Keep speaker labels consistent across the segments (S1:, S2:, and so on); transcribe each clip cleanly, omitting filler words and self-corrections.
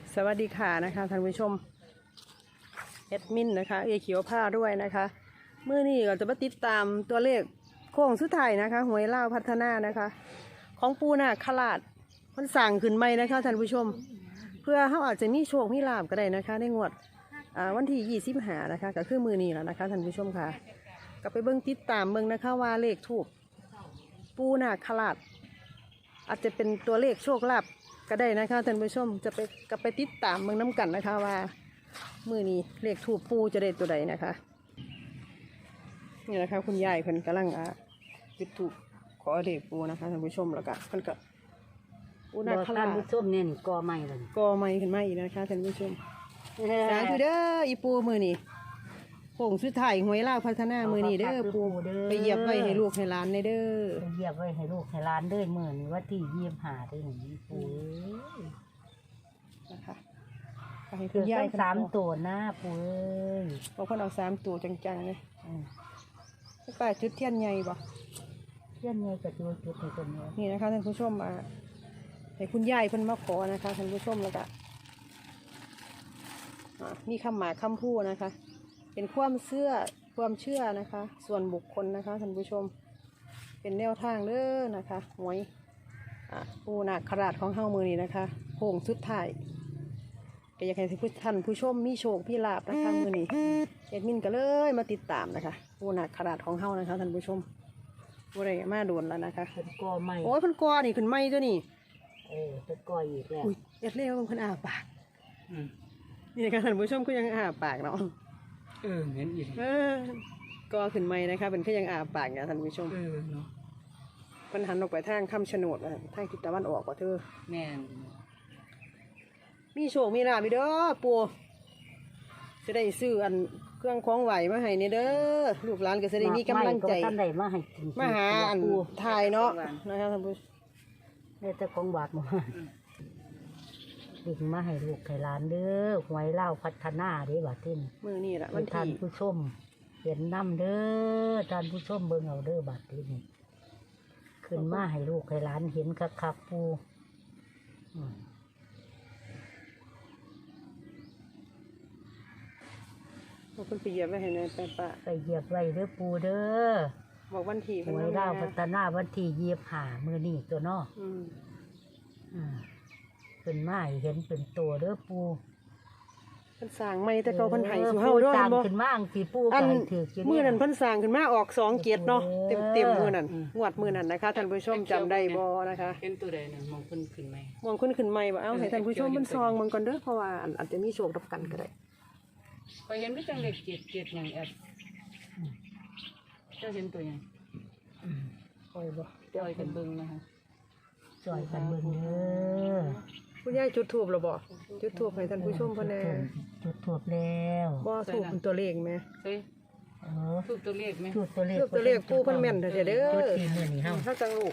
S1: สวัสดีค่ะนะคะท่านผู้ชมแอดมินนะคะเขียวผ้าด้วยนะคะเมื่อนี้เราจะมาติดตามตัวเลขโค้งสุดท้ายนะคะหวยเล่าพัฒนานะคะของปูนาคราชมันสั่งขึ้นใหม่นะคะท่านผู้ชมเพื่อเขาอาจจะมีโชคมีลาภก็ได้นะคะในงวดวันที่25นะคะก็คือมือนี้แล้วนะคะท่านผู้ชมค่ะก็ไปเบิ้งติดตามเบิ้งนะคะว่าเลขถูกปูนาคราชอาจจะเป็นตัวเลขโชคลาภก็ได้นะคะท่านผู้ชมจะไปติดตามเมืองน้ำกันนะคะว่ามือนี้เลขถูกปูจะได้ตัวใดนะคะนี่นะคะคุณยายเพิ่นกำลังจุดถูกขอเลขปูนะคะท่านผู้ชมแล้วก็เพิ่นก็ปูนาคราช
S2: ท่านผู้ชมเนี่ยกอใหม่เลย
S1: ก็ไม่ขึ้นมาอีกนะคะท่านผู้ชมสาธุเด้ออีปูมือนี้โป่งสุดท้ายหวยลาวพัฒนามือนี้เด้อปูไปเหยียบไว้ให้ลูกให้หลานในเด้อ
S2: ไปเหยียบไว้ให้ลูกให้ร้านเด้อมื่อนี้ว่าที่25ได้หนึ่งปู
S1: นะคะไปให้คุ
S2: คือ
S1: ณยาย
S2: สามตัวหน้าปูเอ้ย
S1: บอกเพิ่นเอา3 ตัวจังๆเลยป้าจุดเทียนใหญ่บ่
S2: เพื่อนไงกับตัวจุดในตัวนี้
S1: นี่นะคะท่านผู้ชมให้คุณยายเพิ่นมาขอนะคะท่านผู้ชมแล้วก็มีคำหมายคำพูดนะคะ เป็นความเชื่อนะคะ ส่วนบุคคลนะคะท่านผู้ชมเป็นแนวทางเด้อนะคะหวยปูนาคราชของเฮามือนี้นะคะโค้งสุดท้ายก็อยากให้ท่านผู้ชมมีโชคมีลาภนะคะมือนี้แอดมินก็เลยมาติดตามนะคะปูนาคราชของเฮานะคะท่านผู้ชมบ่ได้มาโดนแล้วนะคะ
S2: เป็นกอใหม่
S1: โอ้ยเพิ่นกอนี่ขึ้นไม้ตัวนี้
S2: เป็นกออีกแล้ว
S1: อุ้ยเอ็ดเลี้ยวเพิ่นปากนี่นะคะท่านผู้ชมก็ยังปากเนาะ
S3: เห็นอีก
S1: ก็ขึ้นไม้นะคะเป็นก็ยังปากเนี่ยท่านผู้ชม
S3: เนาะ
S1: เพิ่นหันออกไปทางคำชะโนดทางทิศตะวันออกกว่าเธอ
S3: แม่น
S1: มีโชคมีลาภเด้อปู่จะได้ซื้อเครื่องของไหวมาให้เนี่ยเด้อลูกหลานก็จะได้มีกำลังใจ
S2: ท่านใดมาให้กิน
S1: มาหาทายเนาะนะคะท่านผู้ชม
S2: เนี่ยแต่ของบาทมาดึงมาให้ลูกให้ร้านเด้อหวยเล่าพัฒนาเด้บาทที่นี่
S1: มื้อนี้ล่ะวัน
S2: ท่าน
S1: ที่
S2: ผู้ชมเห็นน้ำเด้อท่านผู้ชมเบิ่งเอาเด้อบาทที่นี่ขึ้นมาให้ลูกให้ร้านเห็นคักๆปู
S1: เพิ่นไปเหยียบไว้ให้ในป้า
S2: ไปเหยียบไว้เด้อปูเด้อ
S1: บอกวันที่
S2: หวยเล่าพัฒนาวันที่25มื้อนี้ตัวเนาะขึ้นมาให้เห็นเป็นตัวเด้อปู
S1: เพิ่นสร้างใหม่แต่เขาเพิ่นให้สู่เฮาเด้อ
S2: สร้าง
S1: บ่
S2: ขึ้นมาอังสิปู
S1: อั
S2: ก็
S1: น
S2: ให้ถือกิน
S1: มื้อนั้นเพิ่นสร้างขึ้นมาออก2 เกียรติเนาะเต็มมื้อนั้นงวดมื้อนั้นนะคะท่านผู้ชมจำได้บ่นะคะ
S3: เป็นตัวใดน่ะมองขึ้นไหม
S1: มองขึ้นใหม่บ่เอาให้ท่านผู้ชมเพิ่นซองมันก่อนเด้อเพราะว่าอาจจะมีโชครับกันก็ได้
S3: พอเห็นไม่จังเล็กเจ็ดอย่างแอดเจ้าเห็นตัวยัง
S1: ปล่อยบ่
S3: ปล่อยกันเบิ่งนะคะ
S2: สวยกันเบิ่งเด้อ
S1: คุณยายจุดธูปแล้วบ่จุดธูปให้ท่านผู้ชมเพิ่นแน่
S2: จุดทูบแล้ว
S1: บ่ธูปเป็นตัวเลขแม่
S3: เฮ้ย
S2: เออ
S3: ถูกตัวเลขไหม
S2: จุดตัวเลข
S1: ทูปตัวเลขปู่เพิ่นแม่นเด้อเด้อ
S2: จุดที่มื้อนี้เฮา
S1: เฮาจังลูก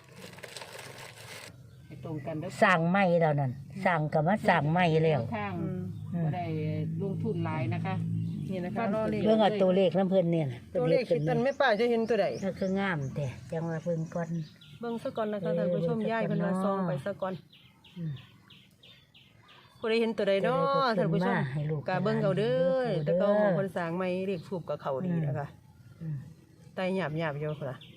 S3: ให้ตรงกันเด้อ
S2: สร้างใหม่แล้วนั่นสร้างก็มาสร้างใหม่แล้ว
S3: ทางบ่ได้ลงทุนหลายนะคะ
S1: นี่นะคะรอเลข
S2: เบิ่งเอาตัวเลขน้ำเพิ่นเนี่ยน่ะ
S1: ตัวเลขคิดตันไม่ป้าจะเห็นตัวใด
S2: ก็คืองามแต่จังว่าเบิ่งก่อน
S1: เบิ่งซะก่อนนะคะท่านผู้ชมยายเพิ่นว่าซองไปซะก่อนผู้ใดเห็นตัวใดเนาะท่านผู้ชมก็เบิ่งเอาเด้อแต่ก็เพิ่นสร้างใหม่เลขทูปกับเขาดีนะคะไตหยาบๆอยู่พุ่นล่ะ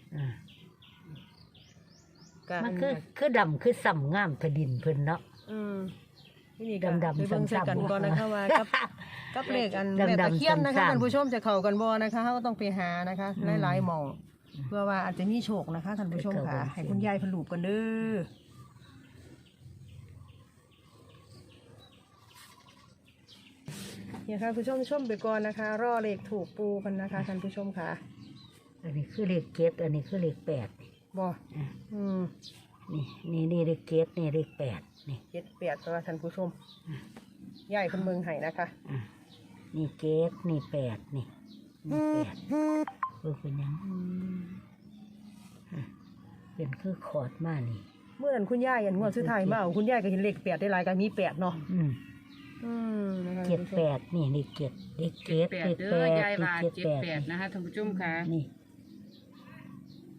S2: มันคือดำคือส่ำงามแผ่นดินเพิ่นเนาะ
S1: นี่ก็
S2: ดำๆ
S1: ไปเบิ่ง
S2: ซ้ำๆ
S1: กันก่อนนะคะว่ากับเลขอันแม่ตะเคียนนะคะ
S2: ซ้ำๆ
S1: ท่านผู้ชมจะเข้ากันบ่นะคะเฮาก็ต้องไปหานะคะหลายๆหม่องเพื่อว่าอาจจะมีโชคนะคะท่านผู้ชมค่ะให้คุณยายเพิ่นรูปกันเด้อเนี่ยค่ะผู้ชมชมไปก่อนนะคะรอเลขถูกปูกันนะคะท่านผู้ชมค่ะ
S2: อันนี้คือเลข7อันนี้คือเลข8
S1: บ่
S2: นี่เลข7นี่เลข8นี่
S1: 7-8ตัวท่านผู้ชมยายเพิ่นเบิ่งให้นะคะ
S2: นี่7นี่8นี่8เบิ่งเป็นหยังเป็นคือขอดมานี่
S1: เมื่อนั้นคุณยายอันงวดสุดท้ายมาเอาคุณยายก็เห็นเลข8ได้หลายก็มี8เนาะนะคะ
S2: 78นี่เลข7เลข7เลข
S3: เด้อยาย
S2: 8
S3: ว่า
S2: เลข
S3: 78นะคะท่านผู้ชมค่ะ
S2: นี่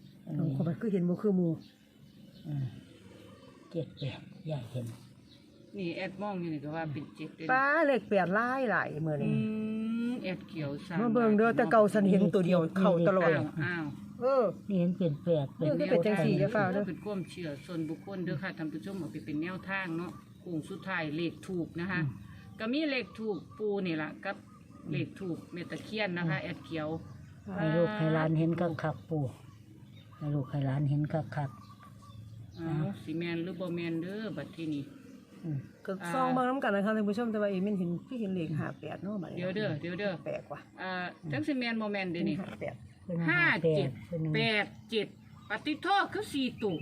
S1: เขาไปคือเห็นบ่คือหมู่
S2: 78ยายเห็น
S3: นี่แอดมองอยู่นี่ก็ว่าเป็นเจ็ดเลย
S1: ป้าเลขแปดหลายมื้อ
S3: อื
S1: นี้
S3: มแอดเขียวสาม
S1: มาเบิ่งเด้อแต่เก่าฉันเห็นตัวเดียวเข้าตลอด
S3: อ้าว
S1: เออ
S2: นี่เห็นเป็นแปดเป็น
S1: นี่คือเป็นจังสี่จะฟ้าวเด้อ
S3: เป็นความเชื่อส่วนบุคคลเด้อค่ะท่านผู้ชมเอาไปเป็นแนวทางเนาะโค้งสุดท้ายเลขถูกนะคะ ก็มีเลขถูกปูนี่ล่ะกับเลขถูกเมตะเคียนนะคะ แอดเขียว
S2: ให้ลูกให้หลานเห็นคักๆปู่ให้ลูกให้หลานเห็นคัก
S3: อ้าวสิแมนหรือบ่แมนเด้อบัดที่นี่
S2: ๆอืม
S1: ก็ซองเบิ่งนํกันนะคะท่านผู้ชมแต่ว่าอีมินเห็นพี่เห็นเลข58เนาะบัดนี้
S3: เดี๋ยวเด้อ
S1: แปลกว่ะ
S3: จังสิแมนบ่แมนเด้อนี่
S1: 58
S2: เป็น
S3: ห้าเจ็ด
S2: เป็น
S3: แปดเจ็ดปฏิโทษคือสี่ตุ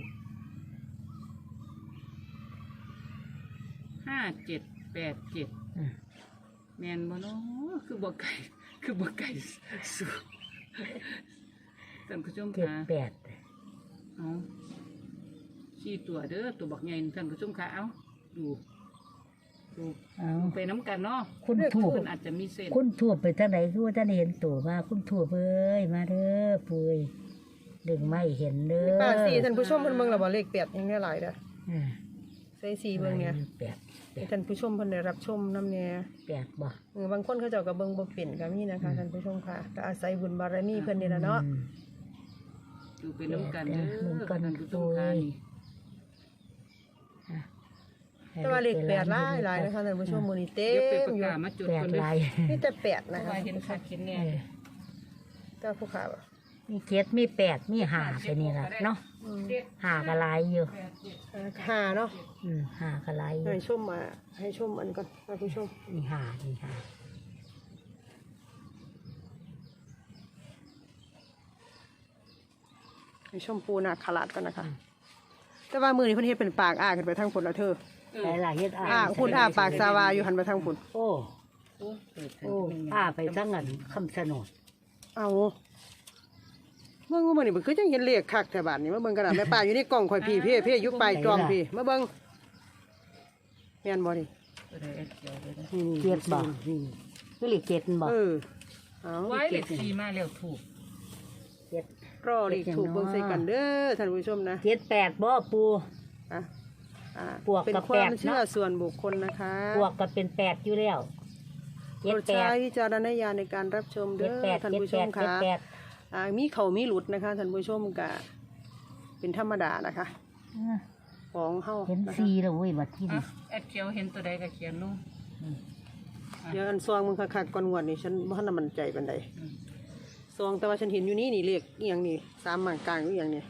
S3: 5787
S2: อืม
S3: แมนบ่เนาะคือบ่ไก่คือบ่ไก่สู้ท่านผู้ชม
S2: เจ็ด
S3: ค่ะ
S2: แปด
S3: เอาสี่ตัวเด้อตัวบักใหญ่ท่านผู้ชมค่ะเอาดูดู
S2: เอา
S3: ไปน้ำกันเนาะ
S2: คุณถูก
S3: เพิ่นอาจจะมีเส้น
S2: คุณถูกไปทางไหนคือว่าท่านเห็นตัวมาคุณถูกเอ้ยมาเด้อปุยดึงไม่เห็นเด้อ
S1: ป้าสี่ท่านผู้ชมเพิ่นเบิ่งแล้วบ่เลข8ยังได้หลายเด้อ
S2: อืม
S1: ใส่สีเบิ่งเนี่ย
S2: แปด
S1: ให้ท่านผู้ชมเพิ่นได้รับชมนำแน่
S2: แปดบ่
S1: บางคนเขาเจ้าก็เบิ่งบ่เป็นก็มีนะคะท่านผู้ชมค่ะก็อาศัยบุญบารมีเพิ่นนี่ล่ะเนาะ
S2: อืม
S3: ดูไปน้ำกันเด้อ
S2: เหมือนกัน
S3: ท่านผู้ชมค่ะนี่
S1: แต่ว่าเลข8หลายนะคะท่านผู้ชมมื้อนี้เต็
S3: เดี๋ยวไป
S1: ม
S3: ประ
S1: อยู่
S3: กาศมาจุด
S2: แป
S3: กั
S2: ด
S3: นเด้อ
S2: ลาย
S1: มีแต่8
S3: เพ
S1: นะ
S3: ราะ
S1: คะ
S3: ว่าเห็นคักเห็นแน่
S2: เออ
S1: แต่ผู้ขา
S2: มีเจ็ดมีแปดมีห้าไปนี่ล่ะเนาะห้าก็หลายอยู่
S1: หาเนาะ
S2: ห้าก็หลายอยู่
S1: ให้ชมอันก่อนท่านผู้ชม
S2: นี่ห้านี่ห้า
S1: ให้ชมปูนาคราชก่อนนะคะ แต่ว่ามื้อนี้เพิ่นเฮ็ดเป็นปากอ้าขึ้นไปทางพุ่นแล้วเธอ
S2: หลายๆเฮ็ด
S1: คุณอ้าปากสาวาอยู่หันไปทางพุ่น
S2: โอ้
S3: โอ้เปิด
S2: โอ้อ้าไปทั้งนั้นคำสนด
S1: เอาเบิ่งมื้อนี้มันคือจังเห็นเลขคักแต่บาดนี้มาเบิ่งกันน่ะแม่ป้าอยู่ในกล่องข่อยพี่เพ่อยู่ปลายจอมพี่มาเบิ่งแม่นบ่นี่
S3: ตัวใดแอดเขียวเลยนะ
S1: นี่
S2: เจ็ดบ่คือเลขเจ็ดบ่
S1: เออเอา
S3: ไว้เลขสี่มาแล้วถูก
S2: เจ็ด
S1: รอเลขถูกเบิ่งใส่กันเด้อท่านผู้ชมนะ
S2: เจ็ดแปดบ่ปู
S1: อ่ะ
S2: บวก
S1: เป็น
S2: กับ
S1: ความ
S2: 8
S1: เชื่อ
S2: เนาะ
S1: ส่วนบุคคลนะคะ
S2: บวกกับเป็นแปดอยู่แล้ว
S1: โป
S2: เจ็ด
S1: รด
S2: แป
S1: ใช้
S2: ด
S1: วิจารณญาณในการรับชม
S2: เจ็
S1: เด้
S2: ด
S1: อ
S2: แปด
S1: ท่าน
S2: เจ็ด
S1: ผู้ช
S2: แป
S1: ม
S2: ดเจ็ด
S1: ค่ะ
S2: แปด
S1: มีเขามีหลุดนะคะท่านผู้ชมกะเป็นธรรมดานะคะของเฮา
S2: เห็น
S1: นะคะ
S2: สีแล้วเว้ยบัดที่
S3: อ่ะ
S2: นี่
S3: แอดเขียวเห็นตัวใดก็เขียนลง
S1: เดี๋ยวอันซองมึงคักๆก่อนงวดนี่ฉันบ่ทันได้มั่นใจปานใดซองแต่ว่าฉันเห็นอยู่นี่นี่เลขอีหยังนี่3หมางกลางอีหยังนี่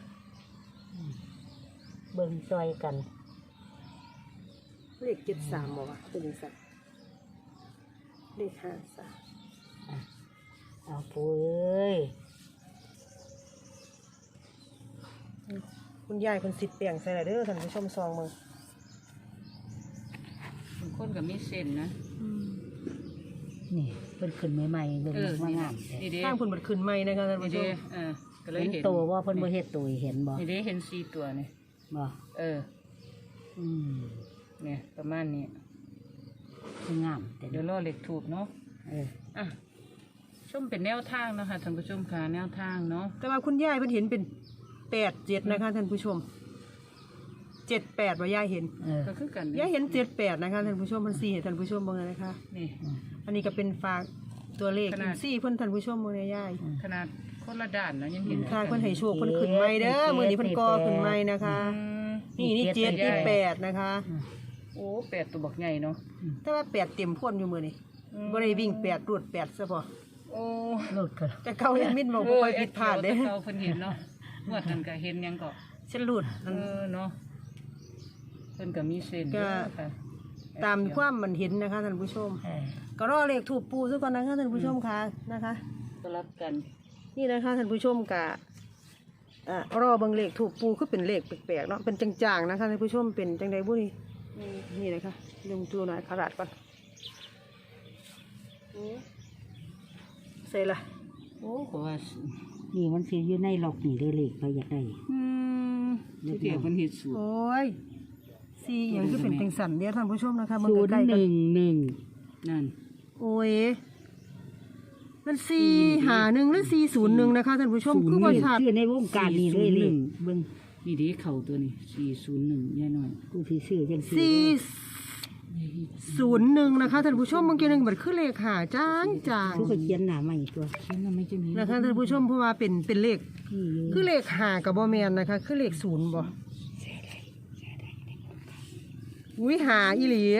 S2: เบิ่งซอยกัน
S1: เลข73บ่วะเป็นจังซั่นเลข53
S2: เอาปูเอ้ย
S1: คุณยายคนสิทธิ์เปียงใส่ละเด้อท่านผู้ชมซองมึง
S3: บางคนก็มีเส้นนะ
S2: นี่เพิ่นขึ้นใหม่ๆเบิ่ง
S3: นี่
S2: งามแท้
S3: นี่เด้
S1: ทางเพิ่นบัดขึ้นใหม่นะคะท่าน
S3: นี่
S1: ผู้ช
S3: เด้
S1: ม
S3: ก็เลย
S2: เห็น
S3: เห็น
S2: โตว่าเพิ่นบ่เฮ็ดตัวให้เห็นบ่
S3: นี่เด้เห็นสี่ตัวนี่
S2: บ่ อืม
S3: เนี่ยประมาณนี้
S2: คืองามแต่
S3: เดี๋ยวรอเลขถูกเนาะ
S2: เออ
S3: อ่ะชมเป็นแนวทางเนาะคะท่านผู้ชมค่ะแนวทางเนาะ
S1: แต่ว่าคุณยายเพิ่นเห็นเป็น87นะคะท่านผู้ชม78ว่ายายเห็น
S2: เออ
S3: ก็คือกัน
S1: ยายเห็น78นะคะท่านผู้ชมมัน4ให้ท่านผู้ชมเบิ่งเลยนะคะ
S3: นี่
S1: อันนี้ก็เป็นฝากตัวเลข
S3: ขนาด
S1: 4เพิ่นท่านผู้ชมเบิ่งเลยยาย
S3: ขนาดคนละด้านนะยังเห็น
S1: ค่ะเพิ่นให้โชคเพิ่นขึ้นใหม่เด้อมื้อนี้เพิ่นก่อขึ้นใหม่นะคะ
S3: อืม
S1: นี่7นี่8นะคะ
S3: โอ้แปดตัวบักใหญ่เนาะ
S1: แต่ว่า8เต็มพ่นอยู่มื้อนี้บ่ได้วิ่ง8รวด8ซะบ่
S3: โอ้
S2: โลดกัน
S1: แต่เก่าเห็นมิดบอกบ่ค่อยผิดพลาดเด้
S3: เราเพิ่นเห็นเนาะงวดนั้นก็เห็นหยังก็
S1: ฉันหลุด
S3: เนาะเพิ่นก็มีเส้น
S1: ก็
S3: ค่ะ
S1: ตามความมันเห็นนะคะท่านผู้ชม
S2: เออ
S1: ก็รอเลขถูกปูซะก่อนนะคะท่านผู้ชมค่ะนะคะ
S3: ก็รับกัน
S1: นี่นะคะท่านผู้ชมกะรอเบิ่งเลขถูกปูคือเป็นเลขแปลกๆเนาะเป็นจางๆนะคะท่านผู้ชมเป็นจังใดบุนี่นี่นะคะลงตัวหน่อยขราดก่อนใส่ละ
S3: โอ้ก็ว่า
S2: นี่มันสิอยู่ในหลอกนี่เลยเลขไปอยากได้
S3: ที่เดียวเพิ่นเฮ็ดสูตร
S1: โอ้ยสีอย่างคือเป็นจังสันเดียวท่านผู้ชมนะคะมัน
S2: ศูนย์
S1: ใกล้ๆ
S2: ห
S1: กัน
S2: นึ่งหนึ่ง
S3: นั่น
S1: โอ้ยมัน451หรือ401นะคะท่านผู้ชมคือบ่ชัด
S2: ชื่อในวงการนี่เลยเลขเบิ่ง
S3: นี่เด้เข้าตัวนี้401แน่นอน
S2: กูสิซื้อจังซี่
S1: สี่ 01นะคะท่านผู้ชมบางทีนึงมันคือเลขหาจางจาง
S2: ทุกคนเขียนหน้าใหม่ตัวเขียนหน้าไม่จะมี
S1: นะคะท่านผู้ชมเพราะว่าเป็นเลข
S2: พี่อยู่
S1: คือเลขหากับบ่แมนนะคะ คือเลข0บ่อุ้ยหาอีหลี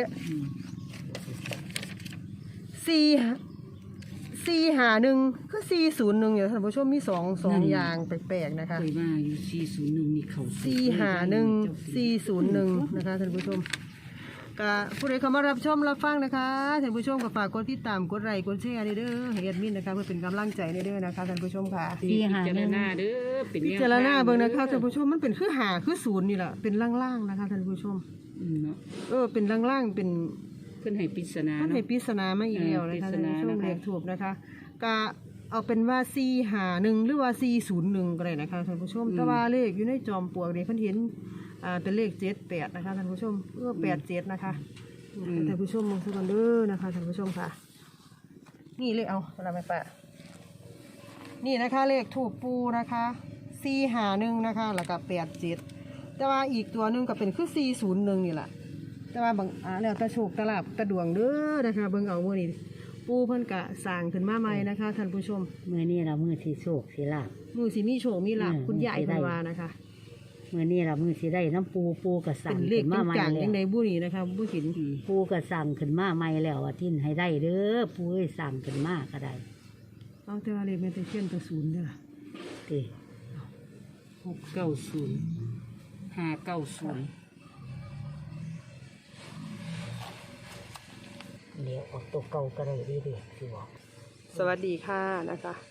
S1: 4หา1คือ401อยู่ท่านผู้ชมมี2อย่างแปลกๆนะคะ
S3: เคยว่าอยู่401นี่เขา
S1: 451 401นะคะท่านผู้ชมก็ผู้ใดเข้ามารับชมรับฟังนะคะท่านผู้ชมก็ฝากกดติดตามกดไลค์กดแชร์เด้อให้แอดมินนะคะเพื่อเป็นกำลังใจเด้อนะคะท่านผู้ชมค่ะ
S3: พิจารณาเด้อเป็น
S1: พิจารณาเบิ่งนะคะท่านผู้ชมมันเป็นคือหาคือ0นี่แหละเป็นล่างๆนะคะท่านผู้ชม
S3: เนาะ
S1: เป็นล่างๆเป็น
S3: เพิ่นให้ปริศนา
S1: มัน
S3: เนาะ
S1: ให้ปริศนามาอีกแล้วนะคะ
S3: ปริศ
S1: ท่าน
S3: นา
S1: ผู้ชม
S3: นะคะ
S1: เลขถูกนะคะก็เอาเป็นว่า451หรือว่า401ก็ได้นะคะท่านผู้ชมแต่ว่าเลขอยู่ในจอมปลวกนี่เพิ่นเห็นเป็นเลข78นะคะท่านผู้ชม87นะคะท่านผู้ชมมองสักกันเด้อนะคะท่านผู้ชมค่ะ นี่เลขเอาอะไรไหมป้านี่นะคะเลขถูกปูนะคะ451นะคะแล้วก็87แต่ว่าอีกตัวหนึงก็เป็นคือ401นี่แหละแต่ว่าบางแล้วแตะโชคตะลาบตะดวงเด้อนะคะเบิ่งเอามื้อนี้ปูเพิ่นกะสร้างขึ้นมาใหม่นะคะท่านผู้ชม
S2: มื้อนี้เรามื้อที่โชคสิลาบ
S1: มือสิมีโชคมีลาภ
S2: อืม
S1: คุณยาย
S2: สิได้
S1: เพิ่นว่านะคะ
S2: มื้อนี้เรามื้อสิได้น้ำปูก็สั่
S1: เป็
S2: ง
S1: นเลข
S2: ขึ้น
S1: เป็
S2: มาน ใหม่
S1: กลาง
S2: แล้
S1: ยัง
S2: ว
S1: ไงบุนี่นะคะบุหิน
S2: ปูก็สั่งขึ้นมาใหม่แล้วว่าทิ้นให้ได้เด้อปูเอ้ยสั่งขึ้นมาก็ได้
S1: เอาแต่ว่าเลขแม่นแต่เขียนแต่0เด้อ
S2: ติ
S3: 690 590
S2: เดี๋ยวออกตัวเก่าก็ได้ดีๆสิบอก
S1: สวัสดีค่ะนะคะ